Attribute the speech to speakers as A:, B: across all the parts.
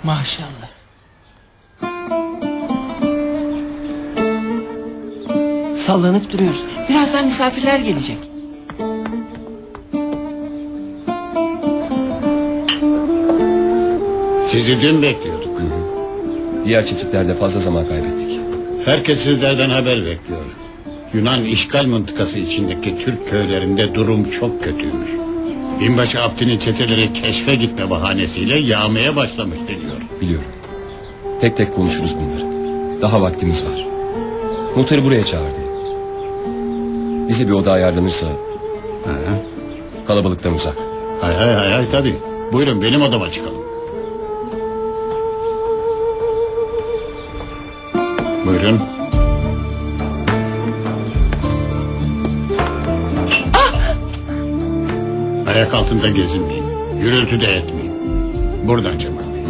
A: Maşallah. Sallanıp duruyoruz. Birazdan misafirler gelecek.
B: Sizi dün bekliyorduk.
C: Diğer çiftliklerde fazla zaman kaybettik.
B: Herkes sizlerden haber bekliyor. Yunan işgal mıntıkası içindeki Türk köylerinde durum çok kötüymüş. Binbaşı Abdi'nin çeteleri keşfe gitme bahanesiyle yağmaya başlamış deniyor.
C: Biliyorum. Tek tek konuşuruz bunları. Daha vaktimiz var. Muhtarı buraya çağırdım. Bize bir oda ayarlanırsa... Kalabalıktan uzak.
B: Hay tabii. Buyurun benim odama çıkalım. Buyurun. Ayak altında gezinmeyin. Gürültü de etmeyin. Buradan Cemal Bey.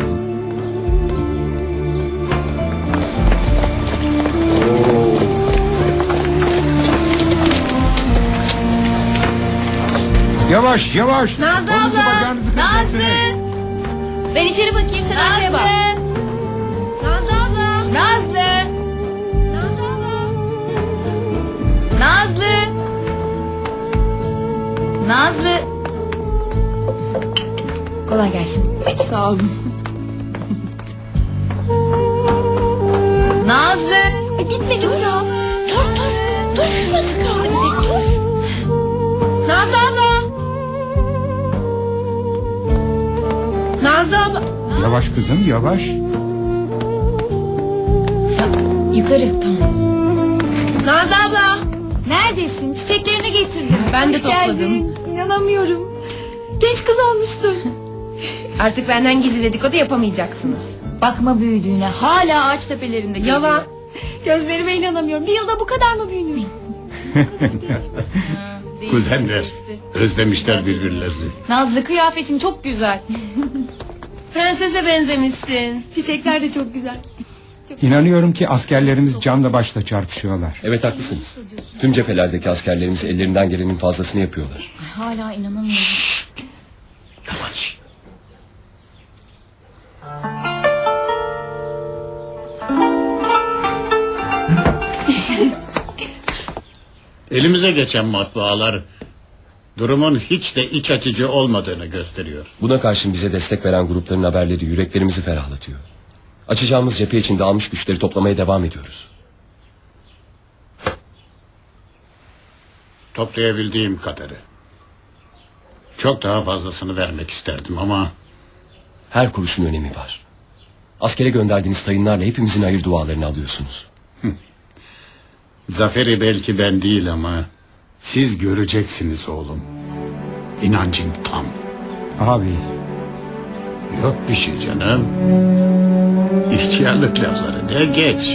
D: Yavaş yavaş.
E: Nazlı
D: Kolunuzu
E: abla.
D: bacağınızı kıracaksınız.
E: Nazlı. Ben içeri bakayım, sen arkaya bak. Nazlı abla. Nazlı. Nazlı abla. Nazlı. Nazlı. Kolay gelsin. Sağ olun. Nazlı. Bitmedi bu ya. Dur şurası kaldı. Dur. Nazlı abla. Nazlı abla.
D: Yavaş kızım yavaş.
E: Yukarı, tamam. Nazlı abla. Neredesin? Çiçeklerini getirdim. Ben de topladım. İnanamıyorum. Genç kız olmuşsun. Artık benden gizli dedikodu yapamayacaksınız. Bakma büyüdüğüne. Hala ağaç tepelerinde geziyor. Yalan. Gözlerime inanamıyorum. Bir yılda bu kadar mı büyünür?
B: Kuzenler özlemişler birbirlerini.
E: Nazlı, kıyafetin çok güzel. Prensese benzemişsin. Çiçekler de çok güzel.
D: İnanıyorum ki askerlerimiz canla başla çarpışıyorlar.
C: Evet haklısınız. Tüm cephelerdeki askerlerimiz ellerinden gelenin fazlasını yapıyorlar.
E: Hala inanamıyorum.
B: Yavaş. Elimize geçen matbaalar durumun hiç de iç açıcı olmadığını gösteriyor.
C: Buna karşın bize destek veren grupların haberleri yüreklerimizi ferahlatıyor. Açacağımız cephe için dağılmış güçleri toplamaya devam ediyoruz.
B: Toplayabildiğim kadarı. Çok daha fazlasını vermek isterdim ama...
C: Her kuruşun önemi var. Askere gönderdiğiniz tayınlarla hepimizin hayır dualarını alıyorsunuz.
B: Zaferi belki ben değil ama... Siz göreceksiniz oğlum. İnancım tam.
D: Abi
B: Yok bir şey canım. İhtiyarlık lafları de geç.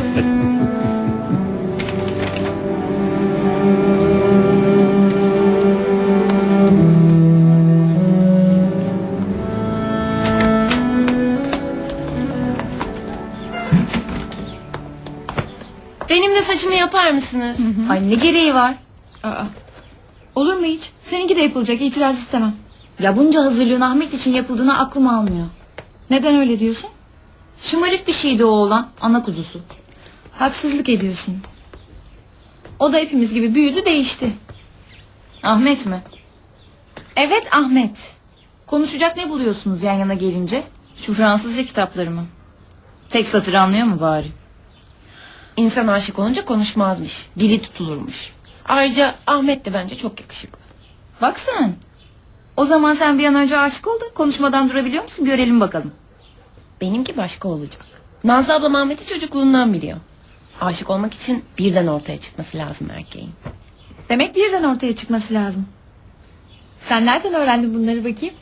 E: Benim de saçımı yapar mısınız? Ay ne gereği var? Olur mu hiç? Seninki de yapılacak, itiraz istemem.
F: Ya bunca hazırlığın Ahmet için yapıldığını aklım almıyor.
E: Neden öyle diyorsun?
F: Şımarık bir şeydi o oğlan, ana kuzusu.
E: Haksızlık ediyorsun. O da hepimiz gibi büyüdü, değişti.
F: Ahmet mi? Evet Ahmet. Konuşacak ne buluyorsunuz yan yana gelince? Şu Fransızca kitapları mı? Tek satır anlıyor mu bari?
E: İnsan aşık olunca konuşmazmış, dili tutulurmuş. Ayrıca Ahmet de bence çok yakışıklı.
F: Bak sen. O zaman sen bir an önce aşık ol da konuşmadan durabiliyor musun? Görelim bakalım.
E: Benimki başka olacak. Nazlı ablam Ahmet'i çocukluğundan biliyor. Aşık olmak için birden ortaya çıkması lazım erkeğin.
F: Demek birden ortaya çıkması lazım. Sen nereden öğrendin bunları bakayım?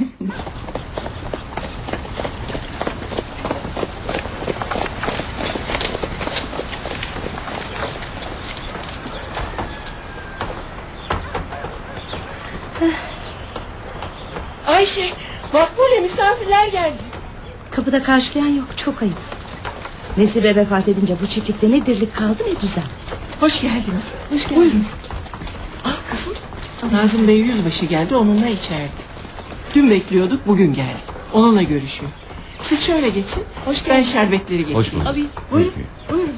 E: Ayşe, Makbule misafirler geldi.
G: Kapıda karşılayan yok, çok ayıp. Nesibe vefat edince bu çiftlikte ne dirlik kaldı ne düzen.
A: Hoş geldiniz.
G: Hoş geldiniz.
A: Buyurun. Al kızım. Nazım Bey yüzbaşı geldi, onunla içeride. Dün bekliyorduk, bugün geldi. Onunla görüşüyor. Siz şöyle geçin. Ben şerbetleri getireyim.
C: Hoş bulduk.
A: Alayım. Buyurun. Buyurun.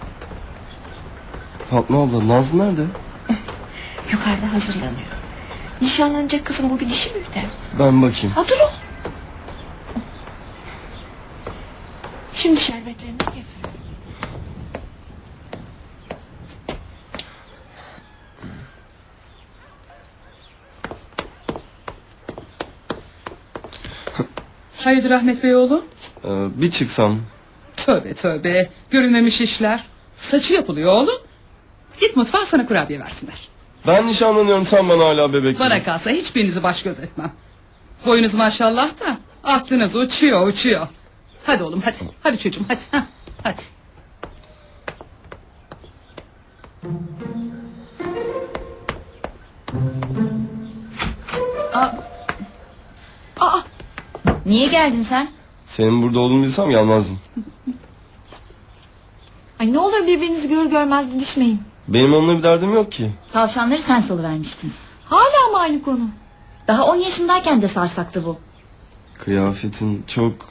C: Fatma abla Nazlı nerede?
A: Yukarıda hazırlanıyor. Nişanlanacak kızım bugün işi mi biter?
C: Ben bakayım.
A: Ha dur o. Şimdi şerbetlerinizi getirin.
H: Hayırdır Ahmet Bey oğlum?
C: Bir çıksam.
H: Tövbe tövbe. Görülmemiş işler. Saçı yapılıyor oğlum. Git mutfağa sana kurabiye versinler.
C: Ben nişanlanıyorum sen bana hala bebek.
H: Bana kalsa hiçbirinizi baş göz etmem. Boyunuz maşallah da aklınız uçuyor uçuyor. Hadi oğlum hadi. Hadi çocuğum hadi. Hah, hadi.
F: Niye geldin sen?
C: Senin burada olduğunu bilsem gelmezdim.
E: Ay ne olur birbirinizi görür görmez didişmeyin.
C: Benim onunla bir derdim yok ki.
F: Tavşanları sen salıvermiştin.
E: Hala mı aynı konu?
F: Daha 10 yaşındayken de sarsaktı bu.
C: Kıyafetin çok...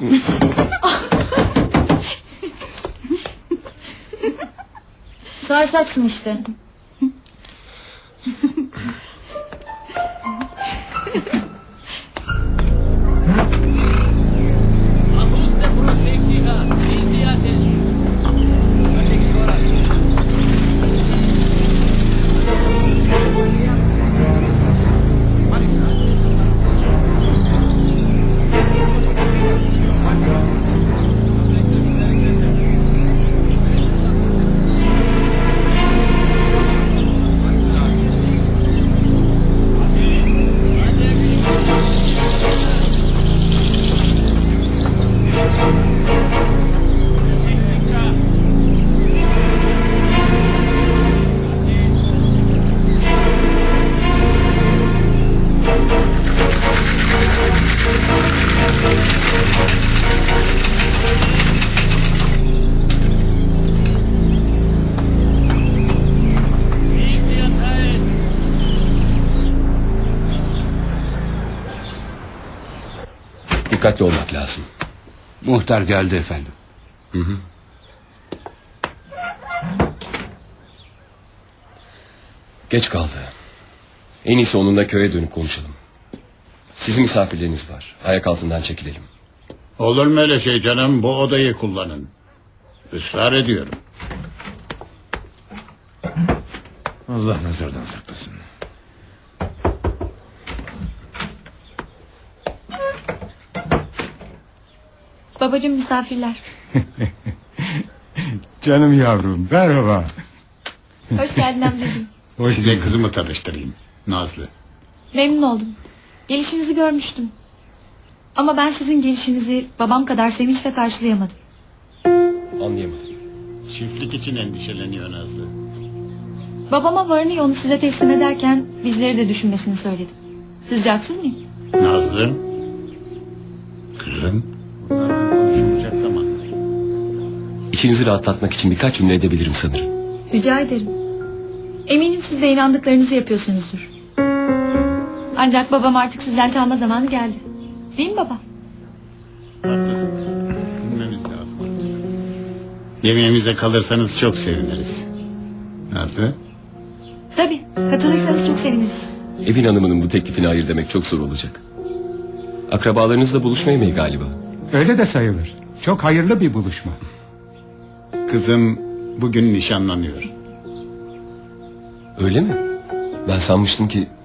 F: Sarsaksın işte.
C: Dikkatli olmak lazım.
B: Muhtar geldi efendim.
C: Geç kaldı. En iyisi onunla köye dönüp konuşalım. Sizin misafirleriniz var. Ayak altından çekilelim.
B: Olur mu öyle şey canım? Bu odayı kullanın. Israr ediyorum.
I: Allah nazardan saklasın.
E: Babacığım misafirler.
D: Canım yavrum merhaba.
E: Hoş geldin amcacığım.
D: Hoş
B: Size
D: bulduk.
B: kızımı tanıştırayım. Nazlı.
E: Memnun oldum. Gelişinizi görmüştüm. Ama ben sizin gelişinizi babam kadar sevinçle karşılayamadım.
C: Anlayamadım.
B: Çiftlik için endişeleniyor Nazlı.
E: Babama varını yoğunu size teslim ederken bizleri de düşünmesini söyledim. Sizce haksız mıyım?
B: Nazlı. Kızım. Bunlardan konuşulacak zamanlar.
C: İçinizi rahatlatmak için birkaç cümle edebilirim sanırım.
E: Rica ederim. Eminim siz de inandıklarınızı yapıyorsunuzdur. Ancak babam artık sizden çalma zamanı geldi. Değil mi baba?
B: Haklısın. Bilmemiz lazım. Yemeğimize kalırsanız çok seviniriz. Nazlı.
E: Tabii. Katılırsanız çok seviniriz.
C: Evin hanımının bu teklifine hayır demek çok zor olacak. Akrabalarınızla buluşma yemeği galiba.
D: Öyle de sayılır. Çok hayırlı bir buluşma.
B: Kızım bugün nişanlanıyor.
C: Öyle mi? Ben sanmıştım ki